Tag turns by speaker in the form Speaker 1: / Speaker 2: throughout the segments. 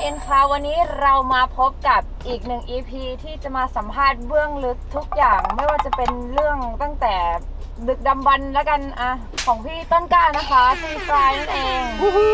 Speaker 1: อินค่ะวันนี้เรามาพบกับอีกหนึ่ง EP ที่จะมาสัมภาษณ์เบื้องลึกทุกอย่างไม่ว่าจะเป็นเรื่องตั้งแต่ดึกดำบรรพ์แล้วกันอะของพี่ต้นกล้านะคะซีฟรายนั่นเอง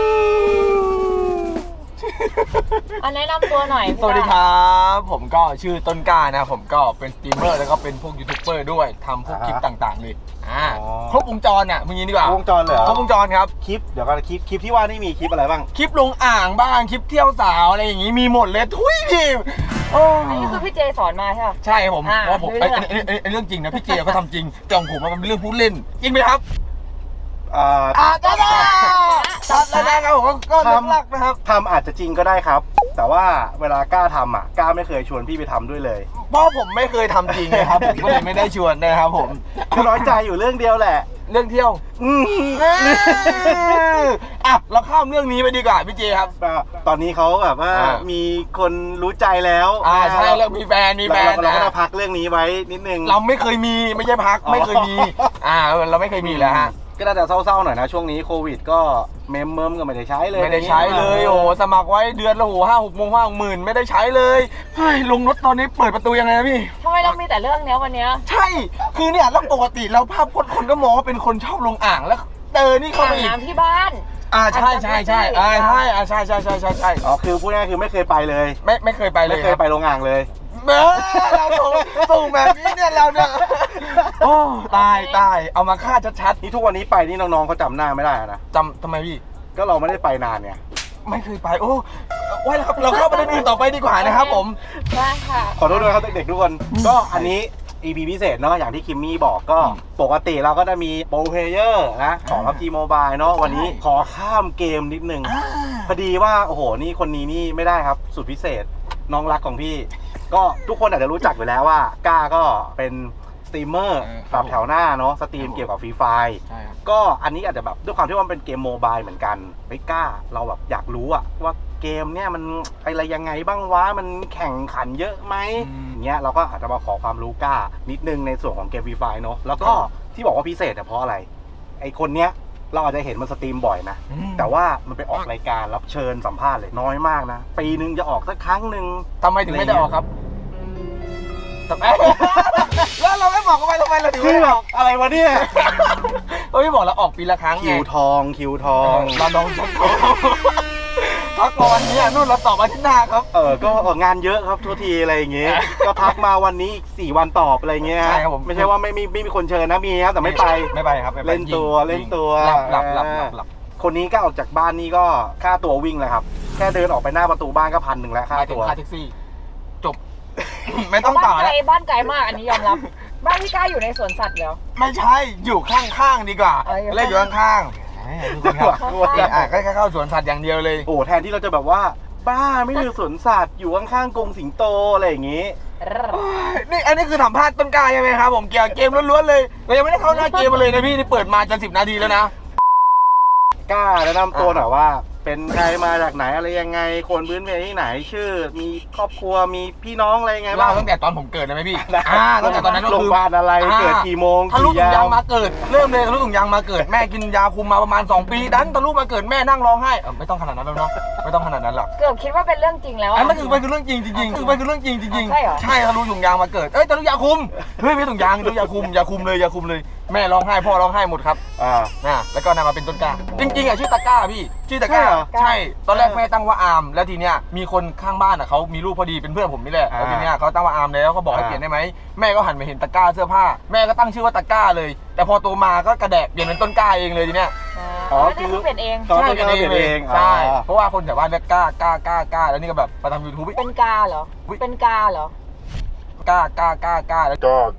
Speaker 1: อันแนะนำตัวหน่อย
Speaker 2: สวัสดีครับผมก็ชื่อต้นกล้านะผมก็เป็นสตรีมเมอร์แล้วก็เป็นพวกยูทูบเบอร์ด้วยทำพวกคลิปต่างๆเลยครบวงจรอ่ะมึงยินดีกว่าว
Speaker 3: งจรเลยเหรอ
Speaker 2: ครบวงจรครับ
Speaker 3: คลิปเดี๋ยวก่อนคลิปที่ว่านี่มีคลิปอะไรบ้าง
Speaker 2: คลิปลงอ่างบ้างคลิปเที่ยวสาวอะไรอย่างงี้มีหมดเลยทุยพี่โอ้
Speaker 1: อันนี้คือพี่เจสอนมาใช่ไหม
Speaker 2: ใช่ครับผม
Speaker 1: อ่า
Speaker 2: เพราะผม
Speaker 1: เรื่อง
Speaker 2: ไอ้เรื่องจริงนะพี่เจเขาทำจริงแต่ของผมมันเป็นเรื่องพูดเล่นจริงไหมครับ
Speaker 3: ได้
Speaker 2: ได้ครับผมก็เรื่องหลักนะครับ
Speaker 3: ทำอาจจะจริงก็ได้ครับ แต่ว่าเวลากล้าทำอ่ะกล้าไม่เคยชวนพี่ไปทำด้วยเลย
Speaker 2: เพราะผมไม่เคยทำจริงนะครับผมก็เลยไม่ได้ชวนนะครับผม
Speaker 3: คือน้อยใจอยู่เรื่องเดียวแหละ
Speaker 2: เรื่องเที่ยวอ่ะเราข้ามเรื่องนี้ไปดีกว่าพี่เจครับ
Speaker 3: ตอนนี้เขาแบบว่ามีคนรู้ใจแล้ว
Speaker 2: ใช่แล้วมีแฟน
Speaker 3: เราก็ต้องพักเรื่องนี้ไว้นิดนึง
Speaker 2: เราไม่เคยมีไม่ใช่พักไม่เคยมีเราไม่เคยมีแล้วฮะ
Speaker 3: ก็น่าจะเศร้าๆหน่อยนะช่วงนี้โควิดก็เมมก็ไม่ได้ใช้เลย
Speaker 2: ไม่ได้ใช้เลยโอ้สมัครไว้เดือนละ5-6 หมื่นไม่ได้ใช้เลยเฮ้ยลงรถตอนนี้เปิดประตูยังไงนะพี่
Speaker 1: ทำไมเรามีแต่เรื่องเนี้ยวันเนี้ย
Speaker 2: ใช่คือเนี่ยแล้วปกติแล้วภาพพจน์คนก็มองว่าเป็นคนชอบลงอ่างแล้วนี่เข้าไปอีก
Speaker 1: น้ำที่บ้าน
Speaker 2: ใช่ใช่ใช่
Speaker 3: อ๋อคือพูดง่ายๆคือไม่เคยไปเลย
Speaker 2: ไม่เคยไปเลย
Speaker 3: ไม่เคยไปโรงอ่างเลย
Speaker 2: เราส่งแบบนี้เนี่ยเราเนี่ยโอ้ตายเอามาฆ่าชัด
Speaker 3: นี่ทุกวันนี้ไปนี่น้องๆเขาจำหน้าไม่ได้นะ
Speaker 2: ๆจำทำไมพี่
Speaker 3: ก็เราไม่ได้ไปนานเนี่ย
Speaker 2: ไม่เคยไปโอ้ไว้แล้วครับเราเข้าประเด็นอื่นต่อไปดีกว่านะครับผม
Speaker 1: ได้ค่ะ
Speaker 3: ขอโทษด้วยครับเด็กๆทุกคน ก็อันนี้ EP พิเศษเนาะอย่างที่คิมมี่บอกก็ปกติเราก็จะมีโปรเพลเยอร์นะของ PUBG Mobile เนาะวันนี้ขอข้ามเกมนิดนึงพอดีว่าโอ้โหนี่คนนี้นี่ไม่ได้ครับสุดพิเศษน้องรักของพี่ ก็ทุกคนอาจจะรู้จักอยู่แล้วว่าก้าก็เป็นสตรีมเมอร์แบบแถวหน้าเนาะสตรีมเกี่ยวกับฟรีไฟร์
Speaker 2: ใช่ครับ
Speaker 3: ก็อันนี้อาจจะแบบด้วยความที่ว่ามันเป็นเกมโมบายเหมือนกันไม่กล้าเราแบบอยากรู้อะว่าเกมเนี่ยมันอะไรยังไงบ้างวะมันแข่งขันเยอะไหมเงี้ยเราก็อาจจะมาขอความรู้กล้านิดนึงในส่วนของเกมฟรีไฟร์เนาะแล้วก็ที่บอกว่าพิเศษเนี่ยเพราะอะไรไอคนเนี้ยเราอาจจะเห็นมันสตรีมบ่อยนะแต่ว่ามันไปออกรายการรับเชิญสัมภาษณ์เลยน้อยมากนะปีนึงจะออกสักครั้งหนึ่ง
Speaker 2: ทำไมถึงไม่ได้ออกครับแล้วเราไม่บอกกันไปทำไมเราถึงไม่ได้ออก
Speaker 3: อะไรวะเนี่ย
Speaker 2: เราไม่บอกเราออกปีละครั้งไง
Speaker 3: คิวทอง
Speaker 2: เราลองชักพักมาวันนี้นู่นเราตอบอาทิตย์หน้าครับ
Speaker 3: ก็งานเยอะครับทุกทีอะไรอย่างเงี้ย ก็พักมาวันนี้อีก4 วันตอบอะไรเงี้ย
Speaker 2: ใช่ครับผม
Speaker 3: ไม่ใช่ว่าไม่มีคนเชิญนะมีครับแต่ไม่ไป
Speaker 2: ไม่ไปครับไม่ไป
Speaker 3: เล่นตัว
Speaker 2: หลับ
Speaker 3: คนนี้ก็ออกจากบ้านนี่ก็ค่าตัววิ่งเลยครับแค่เดินออกไปหน้าประตูบ้านก็1,000แล้วค่า
Speaker 2: ค่า
Speaker 3: ตัว
Speaker 2: แท็กซี่จบไม่ต้องต่อแล้ว
Speaker 1: บ้านไกลมากอันนี้ยอมรับ บ้านพี่กล้าอยู่ในสวนสัตว์แล้ว
Speaker 2: ไม่ใช่อยู่ข้างๆดีกว่าเล่นอยู่ข้างๆก็แค่เข้าสวนสัตว์อย่างเดียวเลย
Speaker 3: โอ้แทนที่เราจะแบบว่าบ้าไม่อยู่สวนสัตว์อยู่ข้างๆกรงสิงโตอะไรอย่างงี้
Speaker 2: นี่อันนี้คือสัมภาษณ์ต้นกล้าใช่ไหมครับผมเกี่ยวกับเกมล้วนๆเลยเรายังไม่ได้เข้าหน้าเกมมาเลยนะพี่นี่เปิดมาจะ10 นาทีแล้วนะ
Speaker 3: กล้าแนะนำตัวหน่อยว่าเป็นใครมาจากไหนอะไรยังไงคนพื้นเพที่ไหนชื่อมีครอบครัวมีพี่น้องอะไรยังไงบ้า
Speaker 2: เล่าง ตั้งแต่ตอนผมเกิดได้ไหมพี่ตั้งแต่ตอนนั้นก็
Speaker 3: โรง
Speaker 2: คื
Speaker 3: พ
Speaker 2: อ
Speaker 3: ยาบาลอะไรเกิดกี่โมง
Speaker 2: ทะลุถุงยางมาเกิดเริ่มเลยทะลุถุงยางมาเกิดแม่กินยาคุมมาประมาณ2 ปีดันทะลุมาเกิดแม่นั่งร้องไห้ไม่ต้องขนาดนั้นแล้วเนาะไม่ต้องขนาดนั้นหรอก
Speaker 1: เกือบคิดว่าเป็นเรื่องจริงแล้ว
Speaker 2: อันนั้นคือมันคือเรื่องจริงจริงๆคือมันคือเรื่องจริงจริง
Speaker 1: ใช่เหรอ
Speaker 2: ใช่ทะลุถุงยางมาเกิดทะลุยาคุมเฮ้ยไม่ถุงยางทะลุยาคุมเลยแม่ร้องไห้พ่อร้องไห้หมดครับแล้วก็นำมาเป็นต้นกล้าจริงๆชื่อตะกร้าพี่ชื่อตะกร้าใช่ตอนแรกแม่ตั้งว่าอาร์มแล้วทีเนี้ยมีคนข้างบ้านเขามีลูกพอดีเป็นเพื่อนผมนี่แหละแล้วทีเนี้ยเขาตั้งว่าอาร์มแล้วเขาบอกให้เปลี่ยนได้ไหมแม่ก็หันไปเห็นตะกร้าเสื้อผ้าแม่ก็ตั้งชื่อว่าตะกร้าเลยแต่พอโตมาก็กระแดะเปลี่ยนเป็นต้นกล้าเองเลยทีเนี้ย
Speaker 1: คือเปลี่ยนเอง
Speaker 2: ใช่เปลี่ยนเองใช่เพราะว่าคนแถวบ้านเรียกกล้าแล้วนี่ก็แบบมาทำ YouTube
Speaker 1: เป็นกาเหรอเป็นกาเหรอก
Speaker 2: ล้าแล้ว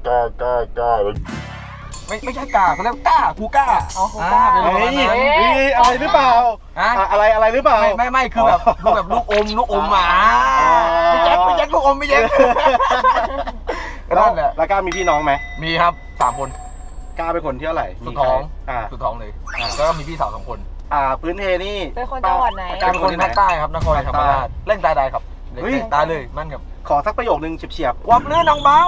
Speaker 2: ไม่ใช่กาเขาเรียกกล้ากูกล้า
Speaker 3: เฮ้ยอะไรหรือเปล่าอะไรหรือเปล่า
Speaker 2: ไม่คือแบบลูกอมไม่แจ็คลูกอมไม่แจ็คก็นั่นแหละ
Speaker 3: แล้วก้ามีพี่น้องไหม
Speaker 2: มีครับ3 คน
Speaker 3: ก้าเป็นคนที่เท่าไหร่
Speaker 2: สุดท้องเลยแล้วก็มีพี่สาว2 คน
Speaker 3: พื้นเพนี่
Speaker 1: เป็นคนจังหวัดไหน
Speaker 2: เป็นคนภาคใต้ครับนครศรีธรรมราชเล่นตายได้ครับเล่นตายเลยมั่นครับ
Speaker 3: ขอสักประโยคนึงเฉียบ
Speaker 2: วับลื่นน้องเบา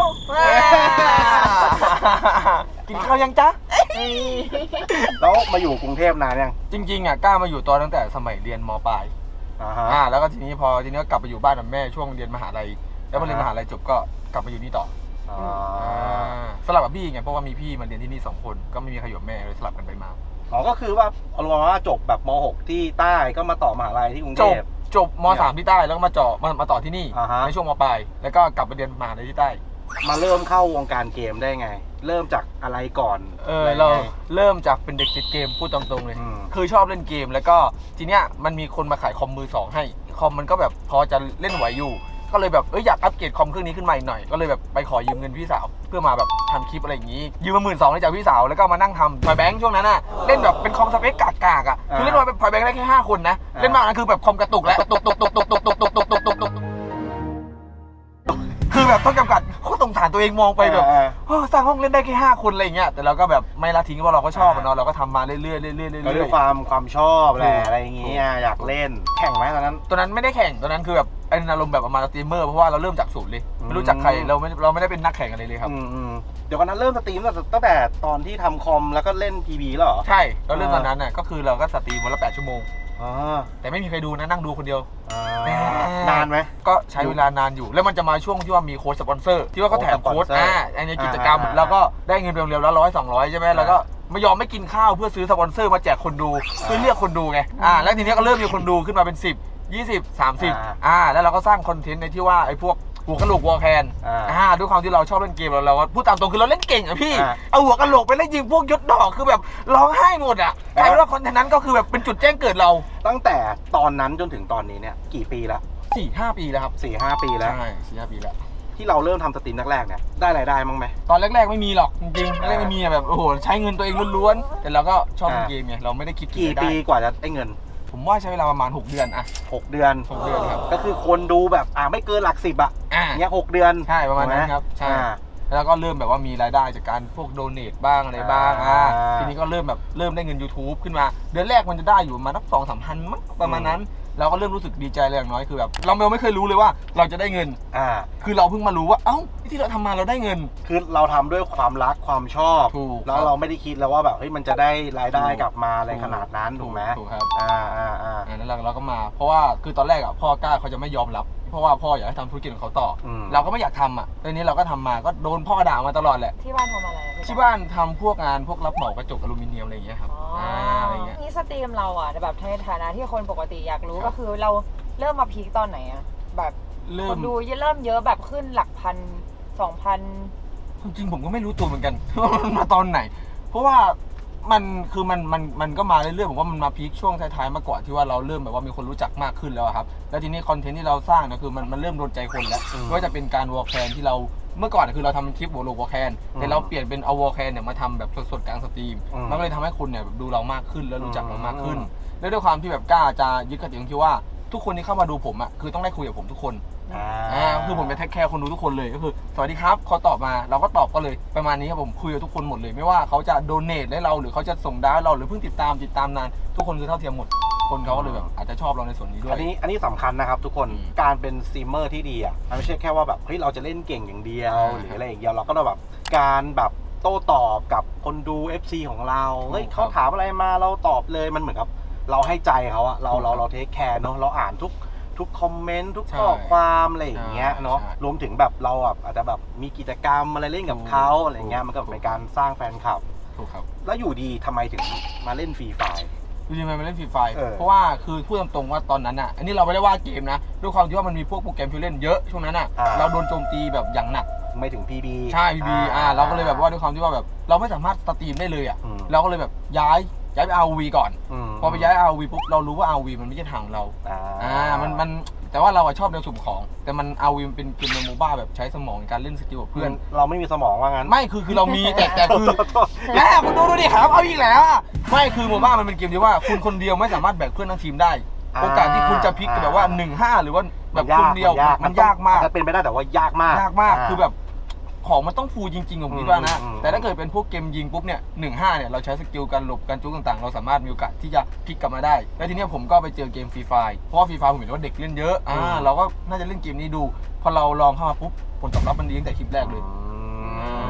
Speaker 2: กินข้าวยังจ๊ะ
Speaker 3: ๆแล้วมาอยู่กรุงเทพนานยัง
Speaker 2: จริงๆกล้ามาอยู่ตอนตั้งแต่สมัยเรียนม.ปลายแล้วก็ทีนี้ก็กลับไปอยู่บ้านกับแม่ช่วงเรียนมหาลัยแล้วพอเรียนมหาลัยจบก็กลับมาอยู่นี่ต่อสลับกับพี่ไงเพราะว่ามีพี่มาเรียนที่นี่2 คนก็ไม่มีใครอยู่กับแม่เลยสลับกันไปมา
Speaker 3: ก็คือว่าเอาลงว่าจบแบบม.6 ที่ใต้ก็มาต่อมหาลัยที่กรุงเทพ
Speaker 2: จบม.3 ที่ใต้แล้วก็มาต่อที่นี่ในช่วงม.ปลายแล้วก็กลับไปเรียนมหาลัยที่ใต้
Speaker 3: มาเริ่มเข้าวงการเกมได้ไงเริ่มจากอะไรก่อน
Speaker 2: เราเริ่มจากเป็นเด็กติดเกมพูดตรงๆเลยคือชอบเล่นเกมแล้วก็ทีเนี้ยมันมีคนมาขายคอมมือ2ให้คอมมันก็แบบพอจะเล่นไหวอยู่ก็เลยแบบอยากอัปเกรดคอมเครื่องนี้ขึ้นมาอีกหน่อยก็เลยแบบไปขอยืมเงินพี่สาวเพื่อมาแบบทำคลิปอะไรอย่างนี้ยืมมา12,000ได้จากพี่สาวแล้วก็มานั่งทำพอยแบงค์ช่วงนั้นน่ะเล่นแบบเป็นคอมสเปคกากๆอ่ะคือเล่นพอยแบงค์ได้แค่5 คนนะเล่นมากนะคือแบบคอมกระตุกแล้วตกคือแบบต้องจำกัดโคตรสงสารตัวเองมองไปแบบสร้างห้องเล่นได้แค่5 คนอะไรอย่างเงี้ยแต่เราก็แบบไม่ละทิ้งเพราะเราก็ชอบเนาะเราก็ทำมาเรื่อยๆ
Speaker 3: ด้วยความชอบแหละอะไรอย่างเงี้ยอยากเล่นแข่งไหมตอนนั้น
Speaker 2: ไม่ได้แข่งตอนนั้นคือแบบอารมณ์แบบประมาณสตรีมเมอร์เพราะว่าเราเริ่มจากศูนย์เลยไม่รู้จักใครเราไม่ได้เป็นนักแข่งอะไรเลยครับ
Speaker 3: เดี๋ยววันนั้นเริ่มสตรีมตั้งแต่ตอนที่ทำคอมแล้วก็เล่น PB แล้วเหรอ
Speaker 2: ใช่เราเริ่มตอนนั้นน่ะก็คือเราก็สตรีมวันละ8 ชั่วโมงแต่ไม่มีใครดูนะนั่งดูคนเดียวน
Speaker 3: านไหม
Speaker 2: ก็ใช้เวลานานอยู่แล้วมันจะมาช่วงที่ว่ามีโค้ดสปอนเซอร์ที่ว่าเขาแถมโค้ดในกิจกรรมแล้วก็ได้เงินเร็วๆแล้ว100-200ใช่ไหมแล้วก็ไม่ยอมไม่กินข้าวเพื่อซื้อสปอนเซอร์มาแจกคนดูเพื่อเรียกคนดูไงแล้วทีนี้ก็เริ่มมีคนดูขึ้นมาเป็น10 20 30แล้วเราก็สร้างคอนเทนต์ในที่ว่าไอ้พวกหัวกะโหลกวอลแคนด้วยความที่เราชอบเล่นเกมเราพูดตามตรงคือเราเล่นเก่งอะพี่เอาหัวกะโหลกไปเล่นยิงพวกยศดอกคือแบบร้องไห้หมดอะกลายเป็นว่าคอนเทนต์นั้นก็คือแบบเป็นจุดแจ้งเกิดเรา
Speaker 3: ตั้งแต่ตอนนั้นจนถึงตอนนี้เนี่ยกี่ปีแล้ว
Speaker 2: 4-5 ปีแล้วครับ
Speaker 3: 4-5 ปีแล้ว
Speaker 2: ใช่4-5 ปีแล้ว
Speaker 3: ที่เราเริ่มทำสตรีมแรกๆเนี่ยได้รายได้มั้งไหม
Speaker 2: ตอนแรกๆไม่มีหรอกจริงๆไม่มีแบบโอ้โหใช้เงินตัวเองล้วนๆแต่เราก็ชอบเล่นเกมไงเราไม่ได้คิด
Speaker 3: กี่ปีกว่าจะได้เงิน
Speaker 2: ผมว่าใช้เวลาประมาณ6 เดือนอะ
Speaker 3: 6 เดือน
Speaker 2: ครับ
Speaker 3: ก็คือคนดูแบบไม่เกินหลัก10อะเนี่ย6 เดือน
Speaker 2: ใช่ประมาณนั้นครับใช่แล้วก็เริ่มแบบว่ามีรายได้จากการพวกโดเนทบ้างอะไรบ้างทีนี้ก็เริ่มได้เงิน YouTube ขึ้นมาเดือนแรกมันจะได้อยู่ประมาณนับ 2-3 พันมั้งประมาณนั้นเราก็เริ่มรู้สึกดีใจเลยอย่างน้อยคือแบบเราไม่เคยรู้เลยว่าเราจะได้เงินคือเราเพิ่งมารู้ว่าที่เราทำมาเราได้เงิน
Speaker 3: คือเราทำด้วยความรักความชอบแล้วเราไม่ได้คิดแล้วว่าแบบมันจะได้รายได้กลับมาอะไรขนาดนั้นถูกไหม
Speaker 2: ถูกครับนั่นเราก็มาเพราะว่าคือตอนแรกพ่อกล้าเขาจะไม่ยอมรับเพราะว่าพ่ออยากให้ทำธุรกิจของเขาต่อเราก็ไม่อยากทำตอนนี้เราก็ทำมาก็โดนพ่อด่ามาตลอดแหละ
Speaker 1: ที่บ้านทำอะไร
Speaker 2: ที่บ้านทำพวกงานพวกรับเหมากระจกอลูมิเนียมอะไรอย่างเงี้ยครับ
Speaker 1: อะไรเงี้ยนี่สตรีมเราแบบในฐานะที่คนปกติอยากรู้ก็คือเราเริ่มมาพีคตอนไหนแบบคนดูเริ่มเยอะแบบขึ้นหลักพัน 2,000
Speaker 2: จริงผมก็ไม่รู้ตัวเหมือนกันว่ามันมาตอนไหนเพราะว่ามันก็มาเรื่อยๆผมว่ามันมาพีคช่วงท้ายๆมาก่อนที่ว่าเราเริ่มแบบว่ามีคนรู้จักมากขึ้นแล้วครับแล้วทีนี้คอนเทนต์ที่เราสร้างนะคือมันเริ่มโดนใจคนแล้วไม่ว่าจะเป็นการวอลแคนที่เราเมื่อก่อนคือเราทำคลิปวอลแคนแต่เราเปลี่ยนเป็นเอาวอลแคนเนี่ยมาทำแบบสดๆกลางสตรีมมันก็เลยทำให้คนเนี่ยดูเรามากขึ้นแล้วรู้จักเรามากขึ้นแล้วด้วยความที่แบบกล้าจะยึดกติกาที่ว่าทุกคนที่เข้ามาดูผมคือต้องได้คุยกับผมทุกคนคือผมจะเทคแคร์คนดูทุกคนเลยก็คือสวัสดีครับเขาตอบมาเราก็ตอบก็เลยประมาณนี้ครับผมคุยกับทุกคนหมดเลยไม่ว่าเขาจะโดเนทให้เราหรือเขาจะส่งดาวเราหรือเพิ่งติดตามนานทุกคนคือเท่าเทียมหมดคนเขาก็เลยแบบอาจจะชอบเราในส่วนนี้ด้วย
Speaker 3: อันนี้สำคัญนะครับทุกคนการเป็นสตรีมเมอร์ที่ดีมันไม่ใช่แค่ว่าแบบเราจะเล่นเก่งอย่างเดียวหรืออะไรอย่างเดียวเราก็ต้องแบบการแบบโต้ตอบกับคนดู FC ของเราเขาถามอะไรมาเราตอบเลยมันเหมือนกับเราให้ใจเขาเราเทคแคร์เนาะเราอ่านทุกคอมเมนต์ทุกข้อความอะไรอย่างเงี้ยเนาะรวมถึงแบบเราอาจจะแบบมีกิจกรรมอะไรเล่นกับเขาอะไรเงี้ยมันก็เป็นการสร้างแฟนคลับ
Speaker 2: ถูกครับ
Speaker 3: แล้วอยู่ดีทำไมถึงมาเล่นฟรีไฟล์
Speaker 2: อยู่ดีมาเล่นฟรีไฟล์เพราะว่าคือพูดตรงๆว่าตอนนั้นอันนี้เราไม่ได้ว่าเกมนะด้วยความที่ว่ามันมีพวกโปรแกรมที่เล่นเยอะช่วงนั้นเราโดนโจมตีแบบอย่างหนัก
Speaker 3: ไม่ถึง PB
Speaker 2: ใช่ PB เราก็เลยแบบว่าด้วยความที่ว่าแบบเราไม่สามารถสตรีมได้เลยเราก็เลยแบบย้ายไป ROV ก่อนพอไปย้าย ROV ปุ๊บเรารู้ว่า ROV มันไม่ใช่ทางเรามันแต่ว่าเราชอบแนวสุ่มของแต่มัน ROV มันเป็นเกมในโมบ้าแบบใช้สมองในการเล่นสกิลกับเพื่อน
Speaker 3: เราไม่มีสมองว่างั้น
Speaker 2: ไม่คือเรามีแต่คือแล้วคุณดูดิครับเอาอีกแล้วไม่คือโมบ้ามันเป็นเกมที่ว่าคุณคนเดียวไม่สามารถแบกเพื่อนทั้งทีมได้โอกาสที่คุณจะพลิกแบบว่า 1-5 หรือว่าแบบคนเดียวมันยากมาก
Speaker 3: จะเป็นไปได้แต่ว่ายากมาก
Speaker 2: คือแบบของมันต้องฟูจริงๆผมคิดว่านะแต่ถ้าเกิดเป็นพวกเกมยิงปุ๊บเนี่ย 1-5 เนี่ยเราใช้สกิลการหลบการจุ๊กต่างๆเราสามารถมีโอกาสที่จะพลิกกลับมาได้แล้วทีนี้ผมก็ไปเจอเกมฟรีไฟล์เพราะว่าฟรีไฟล์ผมเห็นว่าเด็กเล่นเยอะเราก็น่าจะเล่นเกมนี้ดูพอเราลองเข้ามาปุ๊บผลตอบรับมันดีตั้งแต่คลิปแรกเลย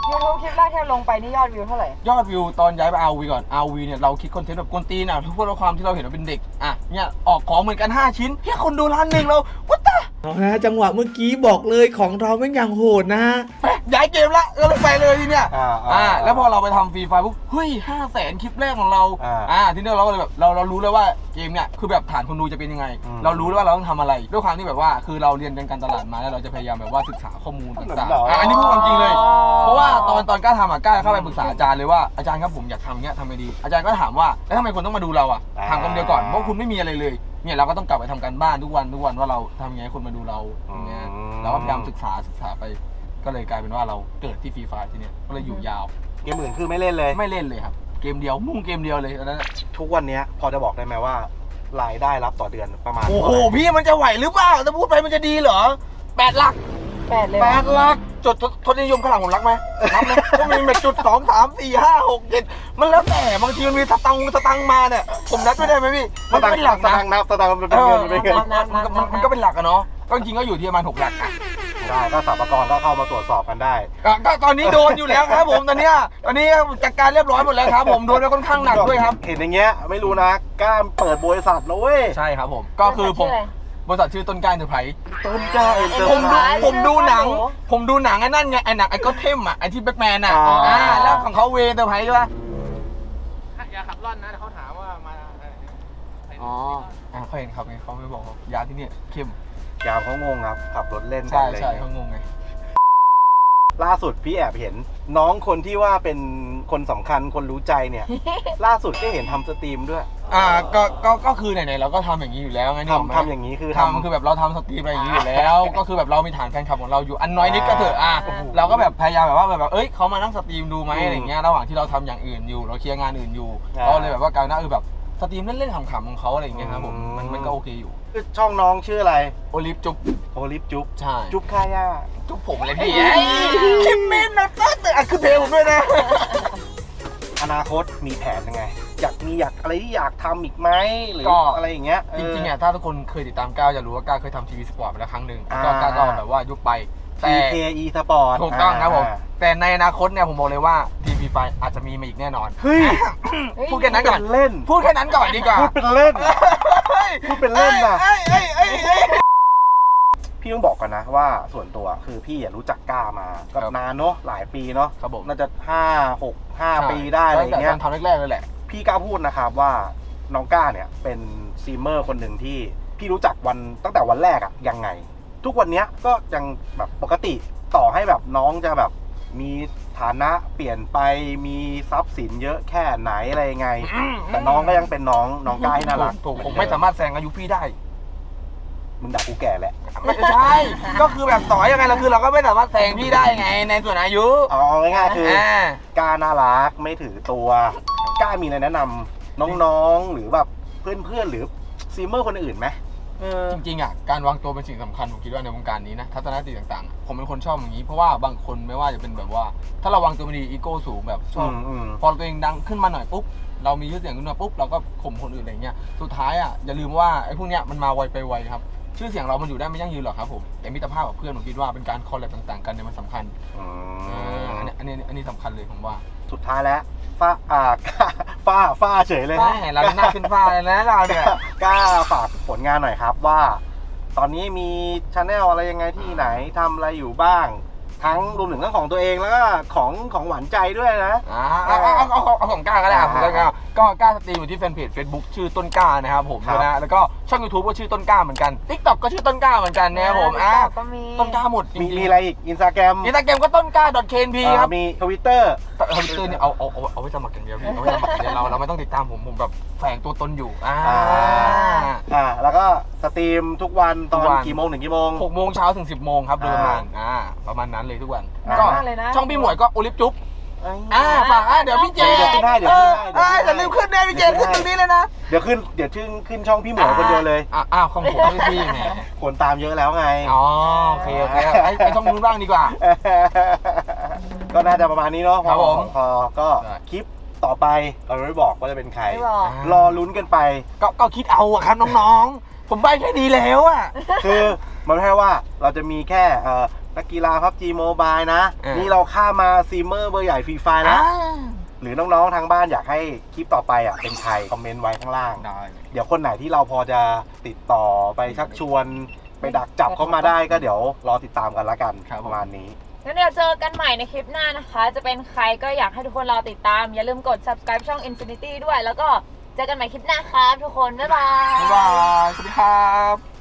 Speaker 1: YouTube คลิปแรกที่ลงไปนี่ยอดวิวเท่าไหร่
Speaker 2: ยอดวิวตอนย้ายไป RV ก่อน RV เนี่ยเราคิดคอนเทนต์แบบกวนตีนอ่ะทุกคนความที่เราเห็นว่าเป็นเด็กอ่ะเนี่ยออกของเหมือนกัน5ชิ้นแค่คนดูล้านหนึ่งเราวัดตา
Speaker 4: นะจังหวะเมื่อกี้บอกเลยของเราแม่งอย่างโหดนะ
Speaker 2: ย้ายเกมละก็เลยไปเลยทีเนี้ย
Speaker 3: อ่า
Speaker 2: แล้วพอเราไปทำฟรีไฟปุ๊บเฮ้ย500,000คลิปแรกของเราทีนี้เราก็เลยแบบเรารู้แล้วว่าเกมเนี่ยคือแบบฐานคนดูจะเป็นยังไง เรารู้แล้วว่าเราต้องทำอะไรด้วยความที่แบบว่าคือเราเรียนการตลาดมาแล้วเราจะพยายามแบบว่าศึกษาข้อมูลต่างๆอันนี้พูดความจริงเลย เพราะว่าตอนกล้าทำกล้าเข้าไปปรึกษาอาจารย์เลยว่าอาจารย์ครับผมอยากทำอย่างเงี้ยทำไงดีอาจารย์ก็ถามว่าแล้วทำไมคนต้องมาดูเราถามคำเดียวก่อนเพราะคุณไม่มีอะไรเลยเนี่ยเราก็ต้องกลับไปทำการบ้านทุกวันว่าเราทำยังไงให้คนมาดูเราอย่างเงี้ยเราก็พยายามศึกษาไปก็เลยกลายเป็นว่าเราเกิดที่ฟรีไฟที่เนี่ยก็เลยอยู่ยาว
Speaker 3: เกมอื่นคือไม่เล่นเลย
Speaker 2: ไม่เล่นเลยครับเกมเดียวมุ่งเกมเดียวเลยตอนนั้น
Speaker 3: ทุกวันเนี้ยพอจะบอกได้ไหมว่ารายได้รับต่อเดือนประมาณ
Speaker 2: โอ้โห
Speaker 3: เท่าไหร่
Speaker 2: พี่มันจะไหวหรือเปล่าถ้าพูดไปมันจะดีเหรอ8 หลัก
Speaker 1: 8 เลย
Speaker 2: 8 หลักจดทศนิยมข้างหลังผมรักไหมรักไหมก็มีแบบจุด2 3 4 5 6 7มันแล้วแต่บางทีมันมีสตังค์มาเนี่ยผมนับไม่ได้ไหมพี่มันก็เป็นหลัก
Speaker 3: ส
Speaker 2: นะ
Speaker 3: ตางค์นับสตางค์มันเป็นเงินมันเป็นเงิน
Speaker 2: มันก็เป็นหลักอะเนาะก็จริงๆก็อยู่ที่ประมาณ6 หลักอะ
Speaker 3: ได้ก็สรรพากรก็เข้ามาตรวจสอบกันได้
Speaker 2: ก็ตอนนี้โดนอยู่แล้วครับผมตอนนี้จัดการเรียบร้อยหมดแล้วครับผมโดนไปค่อนข้างหนักด้วยครับ
Speaker 3: เห็นอย่างเงี้ยไม่รู้นะกล้ามเปิดบริษัทแล้วเว้ย
Speaker 2: ใช่ครับผมก็คือผมบริษัทชื่อต้นกล้าเอ็นเตอร์ไพรส์
Speaker 3: ต้นกล้าเอ็นเตอร์
Speaker 2: ผมดูหนังไอ้นั่นไงไอ้หนังไอ้ก็เทมอ่ะไอ้ที่แบ็คแมนอ่ะแล้วของเขาเวเตอร์ไพรส์ใช่ปะ
Speaker 5: อย่าขับร่อนนะเขาถามว่ามา
Speaker 2: อ๋อเขาเห็นครับไงเขาไม่บอกยาที่เนี่ยเข้ม
Speaker 3: ยามเขางงครับขับรถเล่นกั
Speaker 2: ใช่
Speaker 3: นเลย
Speaker 2: ใช่เขางงไง
Speaker 3: ล่าสุดพี่แอบเห็นน้องคนที่ว่าเป็นคนสำคัญคนรู้ใจเนี่ย ล่าสุดก็เห็นทำสตรีมด้วย
Speaker 2: ก็คือไหนๆเราก็ทำอย่างนี้อยู่แล้วไง
Speaker 3: ทำอย่างนี้คือ
Speaker 2: ทำคือแบบเราทำสตรีมอะไรอย่างนี้อยู่แล้ว ก็คือแบบเรามีฐานแฟนคลับของเราอยู่อันน้อยนิดก็เถอะเราก็แบบพยายามแบบว่าแบบเขามานั่งสตรีมดูไหมอะไรเงี้ยระหว่างที่เราทำอย่างอื่นอยู่เราเคลียร์งานอื่นอยู่ก็เลยแบบว่าการนั้นแบบสตรีมเล่นๆขำๆของเขาอะไรอย่างเงี้ยครับผมมันก็โอเคอยู่
Speaker 3: ช่องน้องชื่ออะไร
Speaker 2: โอลิฟจุ๊บ
Speaker 3: โอลิฟจุ๊บ
Speaker 2: ใช่
Speaker 3: จุ๊บค่าย่า
Speaker 2: จุ๊บผมเลยพี่คิมมินนะตั้งแต่คือเพลงผมด้วยนะ
Speaker 3: อนาคตมีแผนยังไง อยากอะไรที่อยากทำอีกไหมหรืออะไรอย่างเงี้ย
Speaker 2: จริงๆอ่ะถ้าทุกคนเคยติดตามก้าวจะรู้ว่าก้าวเคยทำทีวีสปอร์ตมาแล้วครั้งหนึ่งก็ก้าวก็แบบว่ายุบไปแต่
Speaker 3: TKE Sport
Speaker 2: ถูกต้องครับผมแต่ในอนาคตเนี่ยผมบอกเลยว่าทีวีไฟอาจจะมีมาอีกแน่นอน
Speaker 3: เฮ้ย
Speaker 2: พูดแค่นั้นก่อน
Speaker 3: เล่น
Speaker 2: พูดแค่นั้นก่อนดีกว่า
Speaker 3: พูดเป็นเล่น พูดเป็นเล่นน่ะ พี่ต้องบอกกันนะว่าส่วนตัวคือพี่รู้จักก้ามาก็นานเนาะหลายปีเนาะ
Speaker 2: ครับผม
Speaker 3: น่าจะ5 ปีได้อะไรอย่างเงี้ย
Speaker 2: ตอนทำแรกๆเลยแหละ
Speaker 3: พี่กล้าพูดนะครับว่าน้องก้าเนี่ยเป็นสตรีมเมอร์คนหนึ่งที่พี่รู้จักตั้งแต่วันแรกอะยังไง ทุกวันเนี้ยก็ยังแบบปกติต่อให้แบบน้องจะแบบมีฐานะเปลี่ยนไปมีทรัพย์สินเยอะแค่ไหนอะไรยังไง แต่น้องก็ยังเป็นน้องก้าให้น่ารัก
Speaker 2: ถูกผมไม่สามารถแซงอายุพี่ได้
Speaker 3: มึงด่ากูแก่แหละ
Speaker 2: ไม่ใช่ก็คือแบบต่อยังไงเราคือเราก็ไม่สามารถแซงพี่ได้ไงในส่วนอายุ
Speaker 3: เอาง่ายๆคือกล้าน่ารักไม่ถือตัวกล้ามีอะไรแนะนำน้องๆหรือแบบเพื่อนๆหรือสตรีมเมอร์คนอื่นไหม
Speaker 2: จริงๆอ่ะการวางตัวเป็นสิ่งสำคัญผมคิดว่าในวงการนี้นะทัศนคติต่างๆผมเป็นคนชอบอย่างนี้เพราะว่าบางคนไม่ว่าจะเป็นแบบว่าถ้าเราวางตัวไม่ดีอีโก้สูงแบบชอบพอตัวเองดังขึ้นมาหน่อยปุ๊บเรามีชื่อเสียงขึ้นมาปุ๊บเราก็ข่มคนอื่นอะไรเงี้ยสุดท้ายอ่ะอย่าลืมว่าไอ้พวกเนี้ยมันมาไวไปไวครับชื่อเสียงเรามันอยู่ได้ไม่ยั่งยืนหรอกครับผมแต่มิตรภาพกับเพื่อนผมคิดว่าเป็นการคอลแลบต่างๆกันเนี่ยมันสำคัญอันนี้สำคัญเลยผมว่า
Speaker 3: สุดท้ายแล้วฝ้าเฉยเลย
Speaker 2: ใช่เราหน้าขึ้นฟ้าเลยนะเราเนี่ย
Speaker 3: กล้าฝากผลงานหน่อยครับว่า ตอนนี้มีชาแนลอะไรยังไงที่ไหนทำอะไรอยู่บ้าง ทั้งรวมถึงเรื่องของตัวเองแล้วก็ของหวานใจด้วยนะ
Speaker 2: เอาของกล้าก็ได้ผมก็กล้าสตรีมอยู่ที่แฟนเพจ Facebook ชื่อต้นกล้านะครับผมนะแล้วก็ช่อง YouTube ก็ชื่อต้นกล้าเหมือนกัน TikTok ก็ชื่อต้นกล้าเหมือนกันนะครับผม
Speaker 1: ก็มี
Speaker 2: ต้นกล้าหมดจริง
Speaker 3: มีอะไรอีกอินสตาแกรม
Speaker 2: ก็ต้นกล้า .knp ครับ
Speaker 3: มีทวิตเตอร์
Speaker 2: ทวิตเตอร์เนี่ยเอาไว้สมัครอย่างเดียวพี่เอาไว้สมัครอย่างเดียวเราไม่ต้องติดตามผมแบบแฝงตัวตนอยู่
Speaker 3: แล้วก็สตรีมทุกวันตอนกี่โมงถึงกี่โมง
Speaker 2: 6 โมงเช้าถึง 10 โมงครับโดยประมาณนั้นเลยทุกวัน
Speaker 1: ก็
Speaker 2: ช่องพี่หมวยก็โอลิฟจุ๊บฝากเดี๋ยวพี่เจ
Speaker 3: เดี๋ยวขึ้นให้เดี๋ยว
Speaker 2: อย่าลืมขึ้นนะพี่เจขึ้นตรงนี้เลยนะ
Speaker 3: เดี๋ยวขึ้นช่องพี่หมวยคนเดียวเลย
Speaker 2: ของผมไม่พี่ไง
Speaker 3: คนตามเยอะแล้วไง
Speaker 2: โอเคไอ้ช่องนู้นบ้างดีกว่า
Speaker 3: ก็น่าจะประมาณนี้เนาะ
Speaker 2: ครับผม
Speaker 3: พอก็คลิปต่อไปเราไม่บอกว่าจะเป็นใคร
Speaker 1: ไม่บอก
Speaker 3: รอลุ้นกันไป
Speaker 2: ก็คิดเอาอะครับน้องๆผมใบแค่นี้แล้วอะ
Speaker 3: คือมันไม่ใช่ว่าเราจะมีแค่นักกีฬาพับจีโมบายนะ นี่เราข้ามมาซีเมอร์เบอร์ใหญ่ฟรีไฟแล้วหรือน้องๆทางบ้านอยากให้คลิปต่อไปอ่ะเป็นใครคอมเมนต์ไว้ข้างล่าง
Speaker 2: ได้
Speaker 3: เดี๋ยวคนไหนที่เราพอจะติดต่อไปชักชวนไปดักจับเข้ามาได้ก็เดี๋ยวรอติดตามกันละกันประมาณนี้
Speaker 1: แล้วเดี๋ยวเจอกันใหม่ในคลิปหน้านะคะ จะเป็นใครก็อยากให้ทุกคนรอติดตาม อย่าลืมกด subscribe ช่อง Infinity ด้วย แล้วก็เจอกันใหม่คลิปหน้าครับทุกคน บ๊ายบาย
Speaker 2: บ๊ายบาย สวัสดีครับ